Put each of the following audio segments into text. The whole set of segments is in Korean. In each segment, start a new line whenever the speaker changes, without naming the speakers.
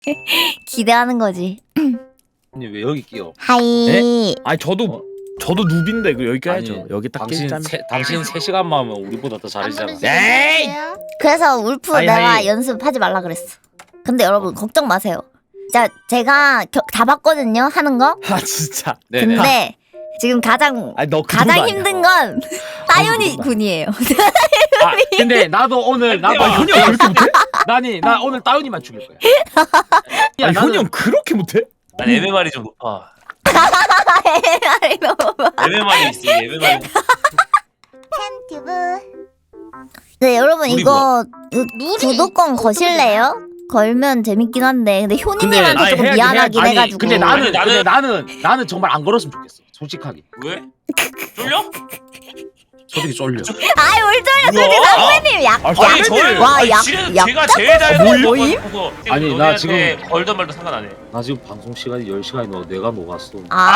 기대하는 거지.
아니 왜 여기 끼어?
하이.
아니 저도 누비인데 그 여기 껴야죠.
아니,
여기 딱
당신
끼자면.
당신 3시간만 하면 우리보다 더 잘하잖아.
에이!
그래서 울프
하이,
내가
하이.
연습하지 말라 그랬어. 근데 여러분 걱정 마세요. 자, 제가 다 봤거든요 하는 거.
아 진짜.
네네.
근데 지금 가장
아니 너
가장 힘든 건 따윤이
그거다.
군이에요.
아 근데 나도 오늘 나도
아 현이 형 그렇게 못해?
나 오늘 따윤이만 죽일 거야.
아니 현이 형 그렇게 못해?
난 MMR이 좀 높아.
아이, 너무 많아.
MMR이 있어. MMR이.
팬튜브. 네 여러분
우리
이거 구독권 거실래요? 걸면 재밌긴 한데 근데 효니님한테 조금
해야지,
미안하긴
아니,
해가지고.
근데
아니,
나는 정말 안 걸었으면 좋겠어. 솔직하게.
왜? 쫄려?
솔직히 쫄려.
아이 뭘 쫄려 솔직히
뭐야?
선배님 약.
아,
아니 저를
와,
아니,
약-
제가 제일 잘
모임?
아니, 나 지금-
걸던 말도 상관 안 해.
나 지금 방송 시간이 10시간이 넘어 내가 녹았어.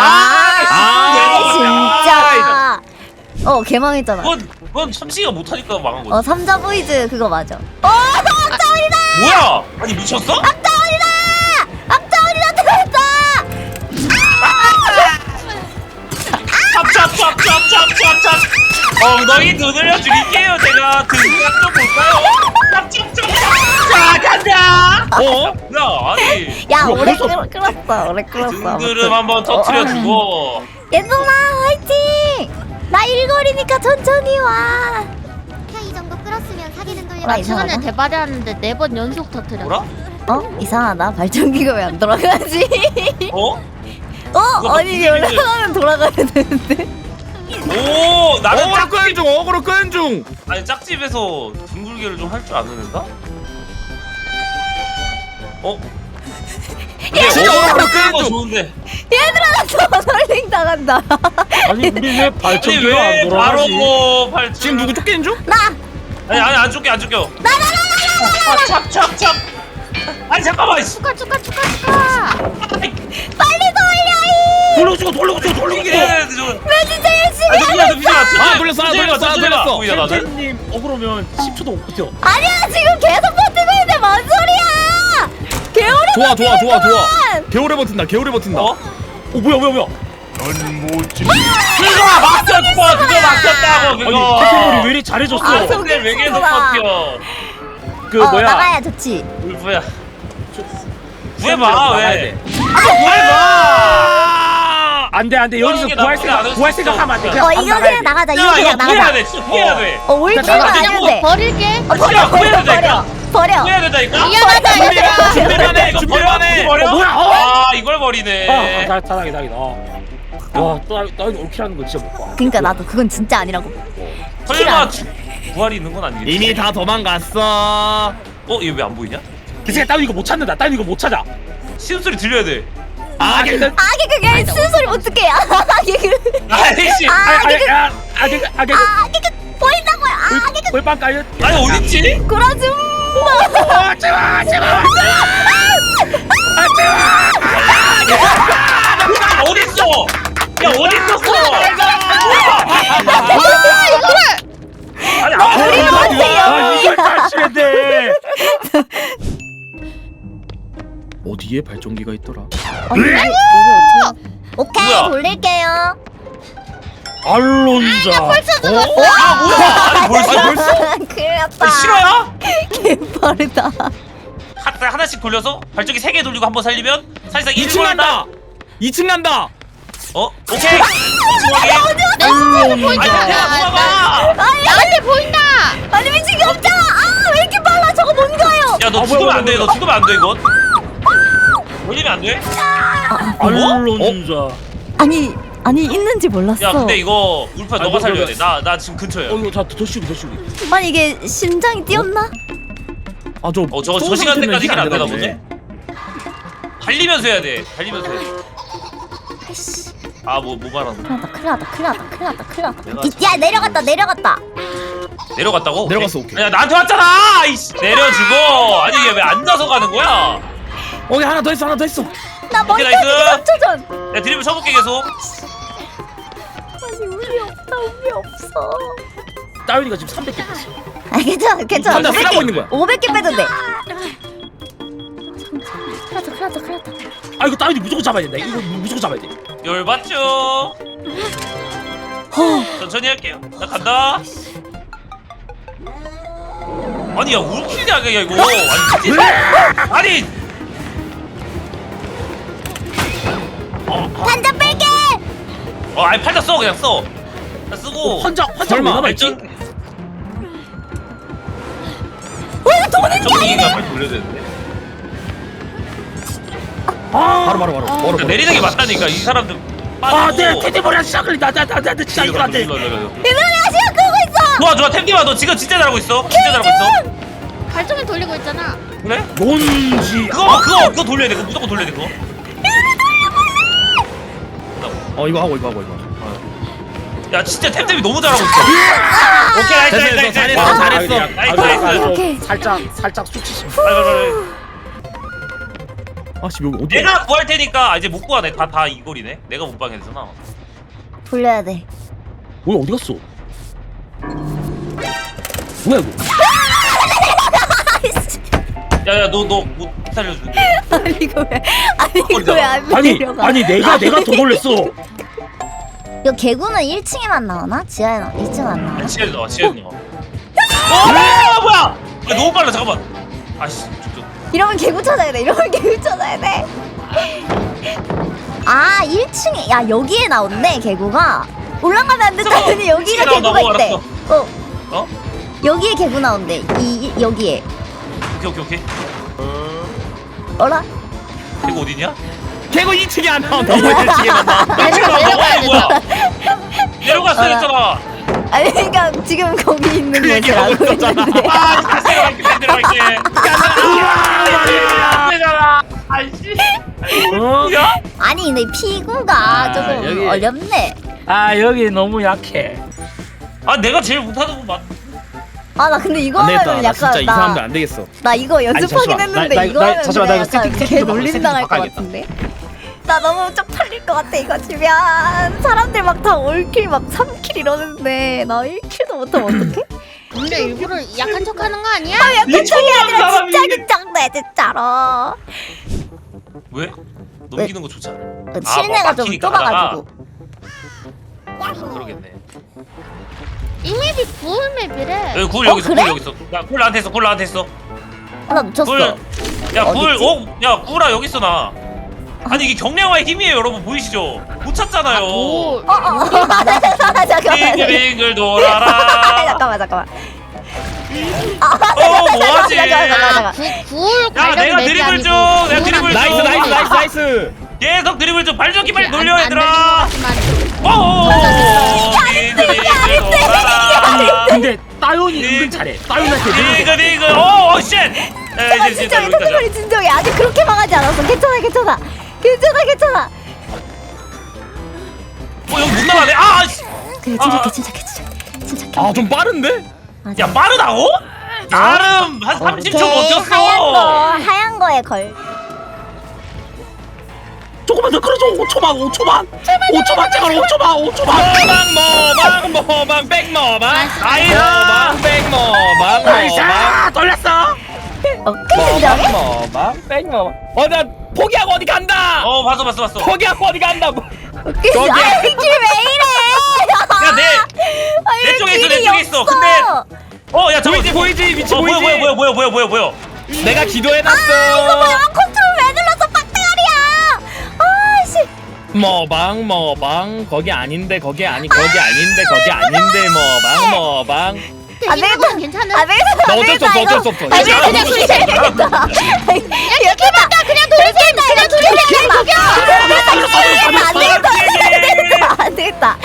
진짜. 개망했잖아.
그건 참치가 못하니까 망한 거지.
삼자 보이즈 그거 맞아.
뭐야? 아니 미쳤어?
악자원이다 들어왔다.
찹찹찹찹찹찹찹. 엉덩이 두드려 드릴게요. 제가 등각 좀 볼까요? 찹찹찹찹. 자 간다. 야 아니
야 오래 끌었어. 오래 끌었어.
등드름 한번 터트려주고.
예송아 화이팅. 나 일거리니까 천천히 와.
이 정도 끌었으면 사귀는 돌려.
나
최근에
이상하다.
대발이 하는데 4번 연속 터트렸어.
뭐라?
이상하다. 발전기가 왜 안 돌아가지?
어?
아니 이게 올라가면 돌아가야 되는데.
오 나는
어그로 끄는 중 어그로 끄는 중.
아니 짝집에서 둥글게를 좀 할 줄 아는 애인가? 어?
어그로 끄는
거
중.
좋은데.
저 설링 당한다.
아니 우리 왜
아니
발전기가 안
왜
돌아가지?
바로고 팔
지금 누구 쫓기는 중?
아니 안 쫓겨 안 쫓겨. 찹찹찹. 아니 잠깐만.
축하.
돌려주고 돌려주고
이게
돌려주고.
나 진짜 열심히.
아 누구야
돌렸어, 돌렸어.
돌렸어.
님 억울하면 10초도 못 버텨.
아니야 지금 계속 버티고 있는데 뭔 소리야? 개오래
좋아. 개오래 버틴다.
어?
뭐야?
그거 막혔어. 그거 막혔다고 그거.
태태물이 왜 이리 잘해줬어?
아,
근데 왜 계속
속였구나.
버텨?
그 뭐야?
나가야 좋지.
울프야. 구해봐 왜?
안돼 여기서
이게
구할
나쁘지 않을
생각
수
하면 안 돼.
있어.
그냥
이거 그냥 나가자. 이거
야
그냥
이거 구해야
나가자.
돼. 진짜 구해야 돼.
울지는
나가,
안
그냥
해도 돼.
버릴게.
버려.
구해야 된다니까?
미안하다.
준비만 해.
이거
준비만 해.
버려?
뭐야?
아 이걸 버리네.
다행이다. 와, 또 올킬하는 거 진짜 못 봐.
그러니까 나도 그건 진짜 아니라고.
설마 부활이 있는 건 아니겠지?
이미 다 도망갔어.
얘 왜 안 보이냐?
기세가 따위 이거 못 찾는다. 따위 이거 못 찾아.
신음소리 들려야 돼.
아기 그게 쓴 소리 어떡해? 아기 그
아이씨.
보인다고요.
골빵 깔려.
아니 어딨지?
구라줌.
제발.
어딨어? 야 어딨었어? 아니
이걸 다치면 돼.
어디에 발전기가 있더라?
오케이
뭐야?
돌릴게요.
알론자.
아 뭐야? 아니 벌써?
큰일 났다.
싫어야?
빠르다.
하나씩 돌려서 발전기 3개 돌리고 한번 살리면 사실상
2층
1번
간다. 2층 간다.
오케이. 2층 확인.
내 시체에서 보인다.
도망가.
나한테 보인다.
아니 미친 게 없잖아. 왜 이렇게 빨라? 저거 뭔가요?
야너 죽으면 안 돼. 너 죽으면 안 돼 이건. 걸리면 안 돼?
알론자.
아니 있는지 몰랐어.
야 근데 이거 울프야 너가
뭐,
살려야
뭐,
돼. 나 지금 근처야.
이거 더 쉬기.
아니 이게 심장이 뛰었나?
저 시간대까지 이긴 안 되나 보네. 달리면서 해야 돼. 달리면서 해야 돼.
아이씨.
뭐 말하는 거야?
큰일 났다. 야 내려갔다.
내려갔다고?
내려갔어, 오케이.
야 나한테 왔잖아. 아이씨. 내려주고. 아니 얘 왜 앉아서 가는 거야?
오케이 하나 더 있어.
나
오케이,
머리 터지기
나이스.
3초 전.
야 드리블 쳐볼게 계속.
아니 운이 없어.
따위가 지금 300개 뺐어.
괜찮아.
혼자 쓰라고 있는 거야.
500개 빼도 돼. 큰일 났다.
아 이거 따윈이 무조건 잡아야 된다. 이거 무조건 잡아야 돼.
열받죠. 천천히 할게요. 나 간다. 아니 야 울킬이야 이거. 아니
반전 뺄게.
아니 팔다 써 그냥 써. 나 쓰고.
환자 왜
설마,
남아있지?
이거 돈은
점프기가 빨리 돌려야 되는데.
바로
내리는 게 맞다니까 이 사람들.
아내 테디머리야 시작을 나 진짜 이거 안 돼.
이번에 아시아 끄고 있어.
좋아 템디마 너 지금 진짜 잘하고 있어. 진짜 잘하고 있어.
발전기 돌리고 있잖아.
그래?
뭔지.
그거 돌려야 돼. 그거 무조건 돌려야 돼 그거.
이거 하고
야 진짜 템템이 너무 잘하고 있어. 오케이 나이스
잘했어.
오케이.
살짝 수치심.
아씨 여기 어디야?
내가 구할 테니까 이제 못 구하네. 다 이골이네. 내가 못 방했잖아.
돌려야 돼.
뭐야 어디 갔어? 뭐야 이거?
야야 너 못 살려줄게.
아니 이거 왜 안 내려가?
아니 내가 더 놀랬어.
이거 개구는 1층에만 나오나? 지하에 나 2층 안 나와?
지혜도 나와. 지혜도 나와. 뭐야? 야, 너무 빨라. 잠깐만. 아씨.
이러면 개구 찾아야 돼. 아 1층에 야 여기에 나온대 개구가. 올라가면 안 된다더니 여기가
나온다고?
개구가 있대.
알았어. 어?
여기에 개구 나온대. 여기에.
오케이.
어라?
이거 어디냐?
개구 2층에 안 나와. 너무 1층에만 나와.
내려가야
뭐야?
된다.
내려갔어 했잖아.
아니 그러니까 지금 거기 있는
그 얘기
곳을
하고
알고
있었잖아.
있는데.
내려갈게. 내려가. 아이씨.
야?
아니 근데 피구가 조금
여기.
어렵네.
아 여기 너무 약해.
아 내가 제일 못하는 건 맞.
아 나 근데 이거
안 되겠다.
하면
나 진짜
약간
이 사람들 안 되겠어.
나 이거 연습하긴
잠시만.
했는데
나
이거 하면
잠시만,
그냥
나 이거
약간
세팅
개
바꿔,
놀림
세팅
당할 것
바꿔야겠다.
같은데. 나 너무 쪽팔릴 것 같아 이거 주면. 사람들 막 다 올킬 막 3킬 이러는데 나 1킬도 못하면 어떡해?
근데 일부러 약한 척하는 거 아니야?
약간 척이 아니라 진짜 긴장돼 진짜로.
왜? 넘기는 거 좋지 않아?
실내가 좀
막히니까
좁아가지고.
그러겠네.
이 맵이 구울 맵이래.
여기 굴
어,
여기 있어.
그래?
굴 여기 있어. 야굴 나한테 있어. 굴 나한테 있어.
나 놓쳤어.
굴. 야굴.
어딨지?
야 굴아 여기 있어 나. 아니 이게 경량화의 힘이에요 여러분 보이시죠? 못 찾잖아요.
잠깐만.
빙글빙글 돌아라.
잠깐만.
뭐하지?
잠깐만.
구울
야
관련
내가
맵이
드리블
아니고
좀. 내가 드리블 좀.
나이스.
계속 드리블 좀. 발전기 빨리 돌려
안
얘들아.
들리는 것 같지만.
오. 빙글빙글 돌아라.
근데 따윤이 은근 잘해. 따윤한테
빙글빙글. 오 쉣.
잠깐만 진정해. 토끼머리 진정해. 아직 그렇게 망하지 않았어. 괜찮아.
여기 못 나가네. 아 씨.
그래 진짜.
아 좀 빠른데?
야 빠르다고? 나름 한 30초 버텼어.
하얀 거에 걸.
조금만 더 끌어줘. 5초만. 제발 5초만.
모방 백모방
아이다.
백모방
나이스. 돌렸어.
진정해?
모방 백모방. 나 포기하고 어디 간다.
봤어.
포기하고 어디 간다.
웃기지. 아 이길 왜 이래?
내 쪽에 있어. 근데 야 잠깐.
보이지 위치
뭐야.
내가 기도해놨어.
이거 뭐야? 컨트롤 왜 눌렀어? 빡대가리야. 아씨.
모방 거기 아닌데 모방.
안 되겠다.
이거는 괜찮은.
안 되겠다.
나 어쩔 수 없어.
안 되겠다. 그냥 돌리겠다. 이렇게 맞다. 그냥 돌리겠다. 안 되겠다.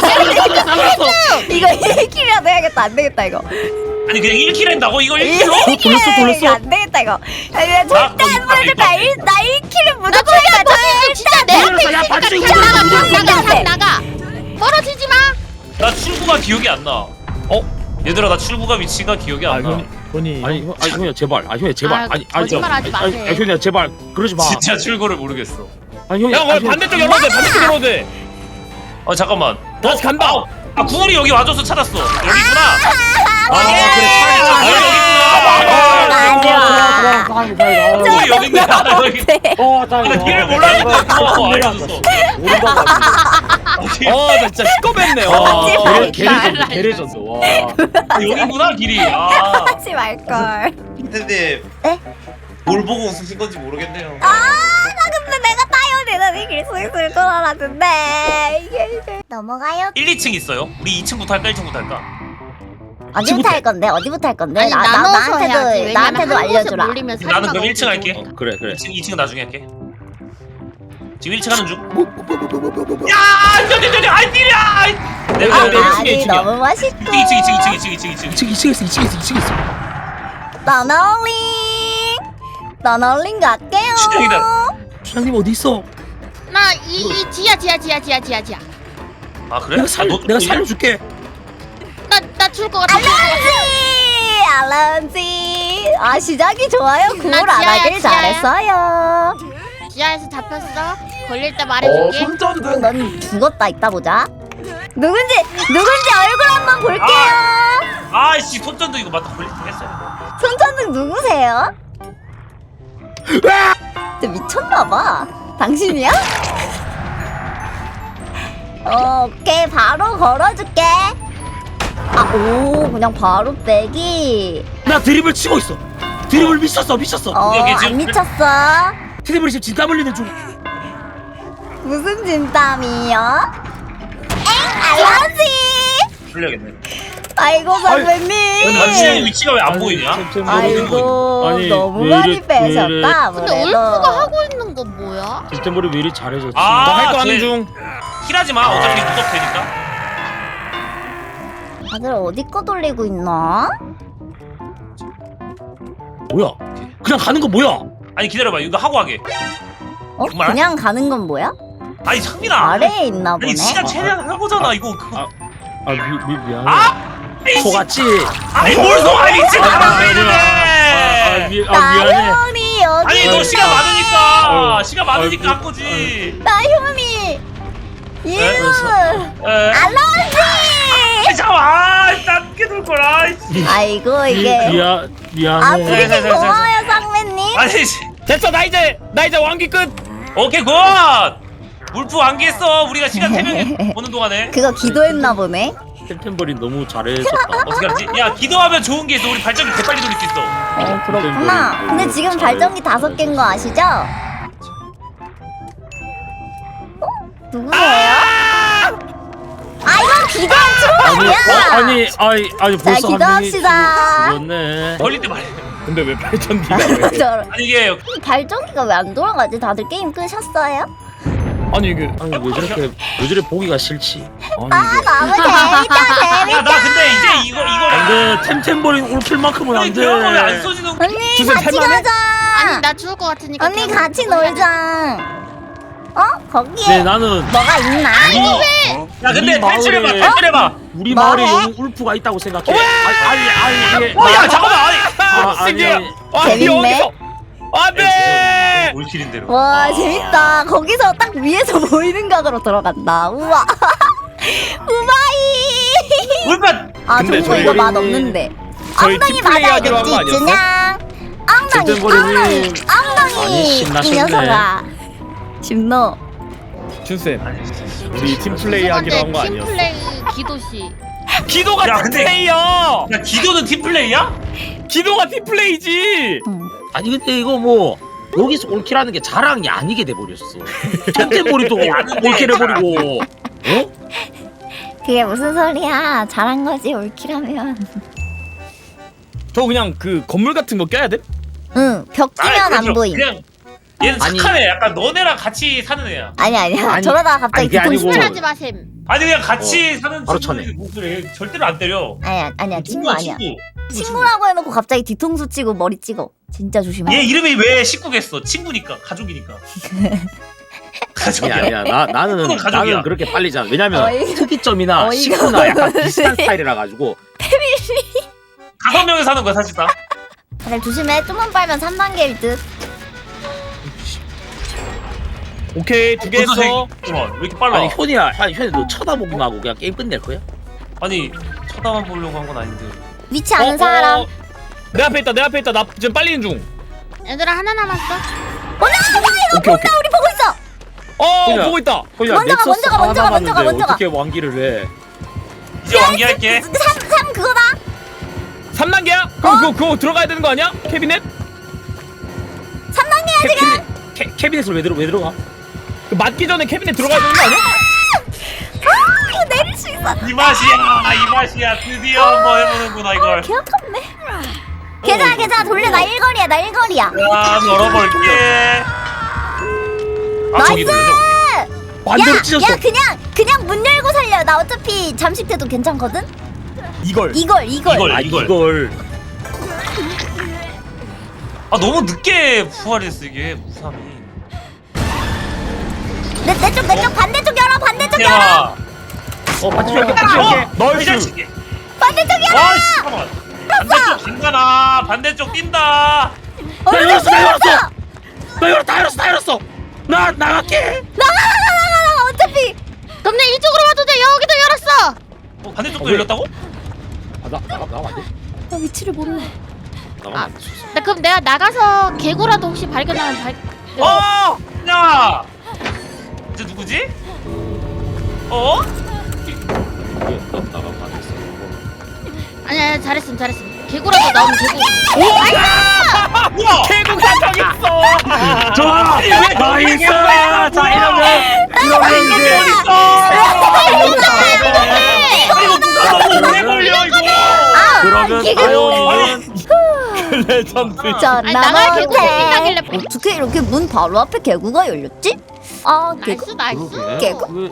이거 1킬이라도 해야겠다. 안 되겠다 이거.
아니 그냥 1킬 한다고? 이거 1킬로?
돌렸어.
안 되겠다 이거. 아니 나 절대 안 보여줄 거야. 나 1킬은 무조건
나
할 거야.
진짜 내 앞에
야,
있으니까
받치고
그냥 나가. 멀어지지 마.
나 출구가 기억이 안 나. 얘들아 나 출구가 위치가 기억이 안 나.
돈이
아니 형이야 제발.
아, 거짓말하지 마세요.
형이야 제발. 그러지 마.
진짜 출구를 모르겠어.
아니 형이야.
야 반대쪽 열어도 돼.
잠깐만.
다시 간다.
구울이 여기 와줘서 찾았어. 여기 있구나. 우리 여기 있네. 여기. 나 길을 몰랐는데 알려줬어.
나 진짜 시꺼맸네.
개레졌어. 와.
여기구나 길이.
하지 말걸.
선생님.
네?
뭘 보고 웃으신 건지 모르겠네요.
나 근데 내가 따여내는 이길 수 있을 줄 알았는데 이게 넘어가요.
1, 2층 있어요? 우리 2층부터 할까 1층부터 할까?
어디부터 할 건데? 어디부터 할 건데?
아니 나눠서 해야지. 왜냐면
나한테도
한 곳에
알려주라.
몰리면
나는 그럼
살인마가
1층 할게.
엄청
그래.
2층은 나중에 할게. 지금 1층 하는 중. 야, 저기 아이 딜이야. 내가
아니 너무 맛있고.
2층 있어.
너널링 갈게요.
시작이다.
주장님 어디 있어?
나이 지야.
아 그래?
내가 살려줄게.
나 죽을 것 같아.
알람지. 아 시작이 좋아요. 구울 안
지하야,
하길
지하야.
잘했어요.
지하에서 잡혔어. 걸릴 때 말해줄게.
넌 죽었다. 이따 보자. 누군지 얼굴 한번 볼게요.
아이씨 손전도 이거 맞다 걸릴 뻔했어요.
손전등 누구세요? 진짜 미쳤나봐. 당신이야? 오케이 바로 걸어줄게. 오 그냥 바로 빼기.
나 드립을 치고 있어. 드립을 미쳤어.
여기 지금
안 미쳤어.
드립을 지금 진땀 흘리는 중.
무슨 진땀이요? 알라지.
풀려야겠네.
아이고 선배님.
당신의 위치가 왜 안 보이냐?
아이고
아니,
너무
왜
많이
이래,
빼셨다.
근데
아무래도.
울프가 하고 있는 건 뭐야?
템템버리 왜 이리 잘해줬지?
아,
하는
쟤
중.
힐하지 마. 어차피 무섭 되니까.
다들 어디 거 돌리고 있나?
뭐야? 그냥 가는 거 뭐야?
아니 기다려봐. 이거 하고 하게. 정말?
그냥 가는 건 뭐야?
아니 상민아.
아래에 있나 보네.
아니 시간 최대한 하고잖아. 이거 그거.
미안해.
아!
속았지?
아니 뭘 속아 미친 사람 왜
아,
이래?
나현이 여기
아니 너
있어.
시간 많으니까.
아유.
시간 많으니까 한 거지.
나현이 유
에.
알러지.
아니 잠깐만. 딴게 돌 거라.
아이고 이게
미안해.
아 브리핑 고마워요 쌍매님.
아니
됐어 나 이제 완기 끝.
오케이 굿. 울프 완기했어. 우리가 시간 3명이 보는 동안에.
그거 기도했나 보네.
템템버리 너무 잘해줬다.
어떻게 하지? 야 기도하면 좋은 게 있어. 우리 발전기 개빨리 돌릴 수 있어.
그렇구나. 근데 지금 발전기 5개인 거 아시죠? 누구세요? 이건 기도한 트롤 아니야.
아니 벌써
기도합시다.
죽었네.
걸릴 때 말해.
근데 왜 발전기가 왜?
저런.
아니 이게
발전기가 왜 안 돌아가지? 다들 게임 끄셨어요?
아니 이게
아니 왜 저래 보기가 싫지? 아니
너무 재밌다.
야 나 근데 이제 이거
안돼. 템템버리 올킬만큼은
아니
안돼.
그런 거왜 안 써지는 거야?
언니
주제
같이
탈만해?
가자.
아니 나 죽을 것 같으니까.
언니
그냥
같이
그거 해야 돼.
놀자. 거기에
네 나는
뭐가 있나?
야 근데
우리
탈출해봐
마을에-
탈출해봐.
우리
뭐
마을에
해?
용 울프가 있다고 생각해. 아니 이게
야 잠깐만 아니.
신기해요.
재밌네.
여기서. 안돼.
올킬인대로.
와 재밌다. 거기서 딱 위에서 보이는 각으로 들어간다. 우와. 우마이.
울프.
근데
정보 이거
저희-
맛 없는데.
저희
엉덩이
팀플레이 하기로 한거
맞아야겠지.
아니었어?
준양. 엉덩이
템템버리님. 많이
엉덩이. 이
신나셨네.
녀석아. 심노.
준쌤 우리 팀플레이 하기로 한 거 아니었어?
팀플레이 기도시.
기도가
야, 근데-
팀플레이야.
야 기도는 팀플레이야?
기도가 팀플레이지.
아니 근데 이거 뭐 여기서 올킬하는 게 자랑이 아니게 돼버렸어. 템템버리도 올킬 해버리고. 어?
그게 무슨 소리야? 잘한 거지 올킬하면.
저 그냥 그 건물 같은 거 껴야 돼?
응. 벽 끼면 안 보임.
그냥 얘는
아니.
착하네. 약간 너네랑 같이 사는 애야.
아니야.
아니,
저러다가 갑자기
아니, 그게
뒤통수.
아니고-
하지 마셈.
아니 그냥 같이 사는
바로
친구들이 목소리 절대로 안 때려.
아니야. 친구 아니야.
친구.
친구라고 해놓고 갑자기 뒤통수 치고 머리 찍어. 진짜 조심해.
얘 이름이 왜 식구겠어? 친구니까 가족이니까. 가족이야.
아니야. 나는
가족이야.
그렇게 빨리지 않아. 왜냐면
어이가-
특이점이나
어이가
식구나 약간 비슷한
없네.
스타일이라 가지고.
5명이 사는 거야 사실상.
다들 조심해. 좀만 빨면 3단계일 듯.
오케이 2개 했어.
잠깐만 왜 이렇게 빨라?
아니 현이야. 아니 현이 너 쳐다보기만 하고 그냥 게임 끝낼 거야?
아니 쳐다만 보려고 한 건 아닌데.
위치 아는 사람.
내 앞에 있다 내 앞에 있다 나 지금 빨리는 중.
얘들아 하나 남았어.
먼저 가 이거
오케이,
본다
오케이.
우리 보고 있어.
그냥-
보고 있다.
그냥
먼저 가,
넥서스
먼저 가,
하나
먼저 가, 먼저 가,
남았는데
먼저 가.
어떻게 왕기를 해?
이제 완기할게.
3 그거다.
3단계야? 그럼 그거 들어가야 되는 거 아니야? 캐비넷?
3단계야 지금.
캐비넷을 왜 들어가?
그 맞기 전에 캐비넷 들어가야 되는 거 아니야?
아 이거 내릴 수 있어.
이 맛이야. 드디어 한번 해보는구나 이걸.
개 아깝네. 괜찮아 돌려. 나 1거리야 나 1거리야.
야, 열어볼게. 아, 저기
나이스.
놀래.
반대로 찢었어.
야 그냥 문 열고 살려. 나 어차피 잠식돼도 괜찮거든.
이걸.
이걸.
아 이걸.
아, 너무 늦게 부활했어 이게 무삼이.
내쪽 반대쪽 열어. 반대쪽 열어.
야,
같이 이렇게 같이 이렇게.
이
나이스.
자식이.
반대쪽 열어.
아, 씨, 잠깐만. 반대쪽 간다나. 반대쪽 뛴다.
나 열었어. 다 열었어. 나 나갈게.
나가. 어차피
그럼 내 이쪽으로 와도 돼. 여기도 열었어.
반대쪽도 열렸다고?
나가면 안 돼?
나 위치를 몰라.
나가면 안 돼.
나 그럼 내가 나가서 개구라도 혹시 발견하면
야! 이제 누구지? 어?
이게 나가면 안 됐어.
아니야 잘했음. 개구라도 나오면 개구.
우와!
개국 사정 있어.
좋아. 나이스. 자 이러면 이제
이거 오래 걸려 이거!
그러면 아영이는
레전드.
아니, 나갈 개구 생긴다길래
어떻게 이렇게 문 바로 앞에 개구가 열렸지? 아 개구.
나이스.
개구.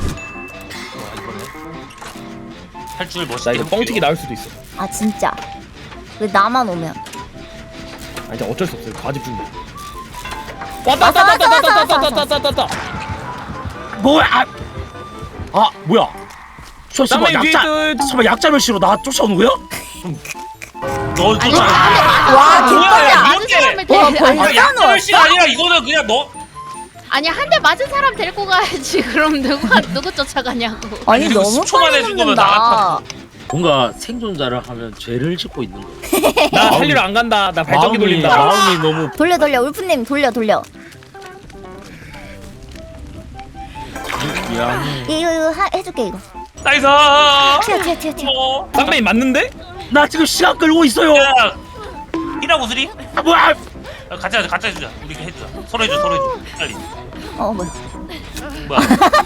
탈출
나
멋있게
이거 뻥튀기 나올 수도 있어.
아 진짜. 왜 나만 오면?
아 이제 어쩔 수 없어. 과집 중이야. 왔다.
뭐야? 뭐야? 설마
쌍둥이 뒤에 또-
약자면 씨로 나 쫓아오는 거야?
너 쫓아.
와
뭐야,
개꿀이야.
맞은 사람을
와,
데리고
벌써?
아, 약자멸시 아니라 이거는 그냥 너.
아니 한 대 맞은 사람 데리고 가야지. 그럼 누구 쫓아가냐고.
아니
그리고
너무
10초만
빨리
해준 거면
눕는다.
뭔가 생존자를 하면 죄를 짓고 있는 거야.
나 살리러 안 간다. 나 발전기 돌린다.
마음이 너무
돌려 울프님 돌려.
미안해.
이거 해줄게 이거.
나이스.
튀어.
어.
쌍둥이 맞는데?
나 지금 시간 끌고 있어요.
야, 이라고 수리?
뭐야?
같이 해주자. 우리 해주자. 서로 해줘. 빨리.
뭐야?
뭐야?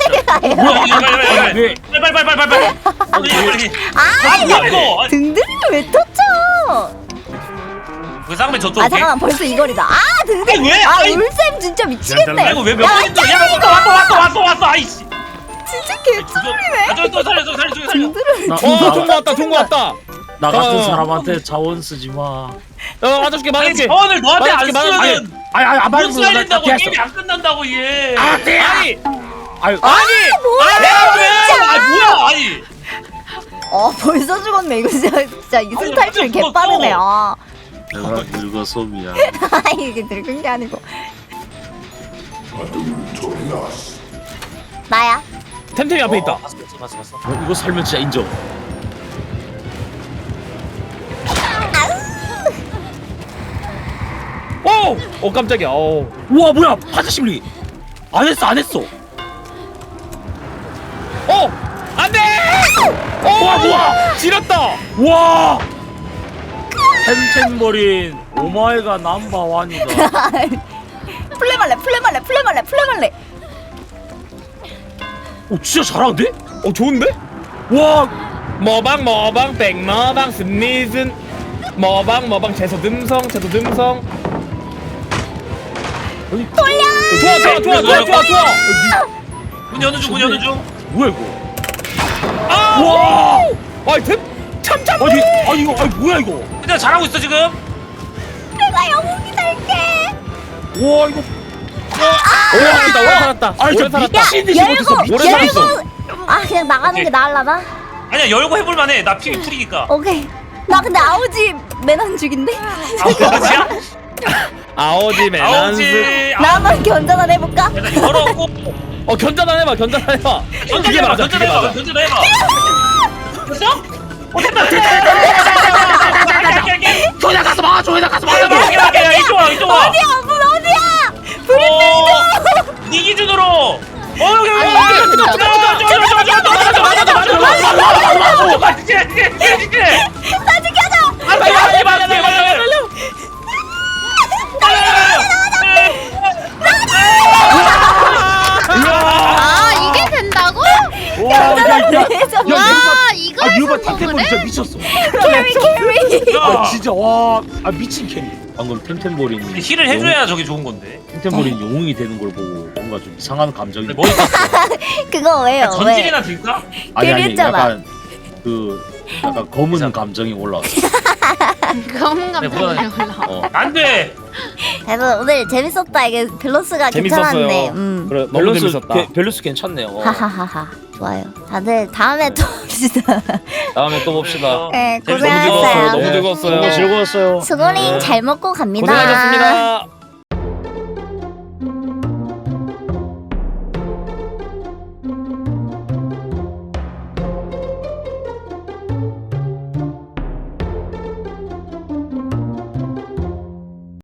왜?
빨리.
아
뭐야 이거?
등등이 왜 터쳐?
그 쌍배 저쪽.
아 잠깐만 벌써 이거리다. 아 등등.
아니, 왜?
아
아니.
울쌤 진짜 미치겠네.
아이고 왜몇
야,
번인데? 왔어. 아이씨.
진짜 개소리네.
또 살려.
나,
종구 왔다.
나 같은
어.
사람한테 자원 쓰지 마.
맞아줄게.
아니 자원을 너한테 안 쓰면
안
못 살린다고 게임이 안 끝난다고 얘.
돼.
아니.
아유,
뭐야?
뭐야? 아니.
벌써 죽었네. 이거 진짜 이승 탈출
완전
개빠르네.
죽었어.
내가 늙어서 미안.
이게 늙은 게 아니고. 나야.
템템이 앞에 있다.
봤어.
이거 살면 진짜 인정.
오 깜짝이야.
우와 뭐야? 파자 심리. 안 했어.
안돼.
와 뭐야?
지렸다.
와. 템템버린 오마이갓 넘버원이다.
플레말레.
오 진짜 잘하는데?
좋은데?
와.
머방 백머방 스니즌 머방 제소 듬성 좋아.
문 여는 중.
뭐야 이거?
아!
와.
아이 참
아니 이거 뭐야 이거?
근데 잘하고 있어 지금.
내가 영웅이 될게.
와 이거.
오래 살았다.
아니 저 미친 듯이 못했어.
오래 살았어.
그냥 나가는 게 나을라나?
아니야 열고 해볼만해. 나 피 풀이니까.
오케이. 나 근데 아우지 맨한 죽인데.
아우지야?
아오지 매난스.
나 한번 견전을 해볼까?
일단 열었고.
견전 해봐.
견제해봐. 됐어?
조이다 가서 막아 조이다 가서 막아.
이쪽 와 이쪽 와.
어디야 문 어디야?
네 기준으로. 여기
아니, 이게 된다고?
나 죽여줘.
아 이게 된다고?
와야야
와 이거
아 유바
성공을
템템버리
해?
진짜 미쳤어.
캐리.
아 진짜 와아 미친 캐리. 방금 템템버린이
힐을 해줘야 저게 좋은 건데.
템템버린 영웅이 되는 걸 보고 뭔가 좀 이상한 감정이.
머리
그거 왜요? 왜?
전질이나 들까?
아니
캐리했잖아.
약간 검은 감정이 올라왔어.
검은 감정이 올라.
안돼.
그래서 오늘 재밌었다. 이게 밸런스가 괜찮았네.
그래 너무 재밌었다.
밸런스 괜찮네요.
하하하하. 좋아요. 다들 다음에 또 봅시다.
다음에 또 봅시다.
네,
재밌었어요.
너무
고생하셨어요.
즐거웠어요.
너무 즐거웠어요.
수고링 잘 먹고 갑니다.
고생하셨습니다.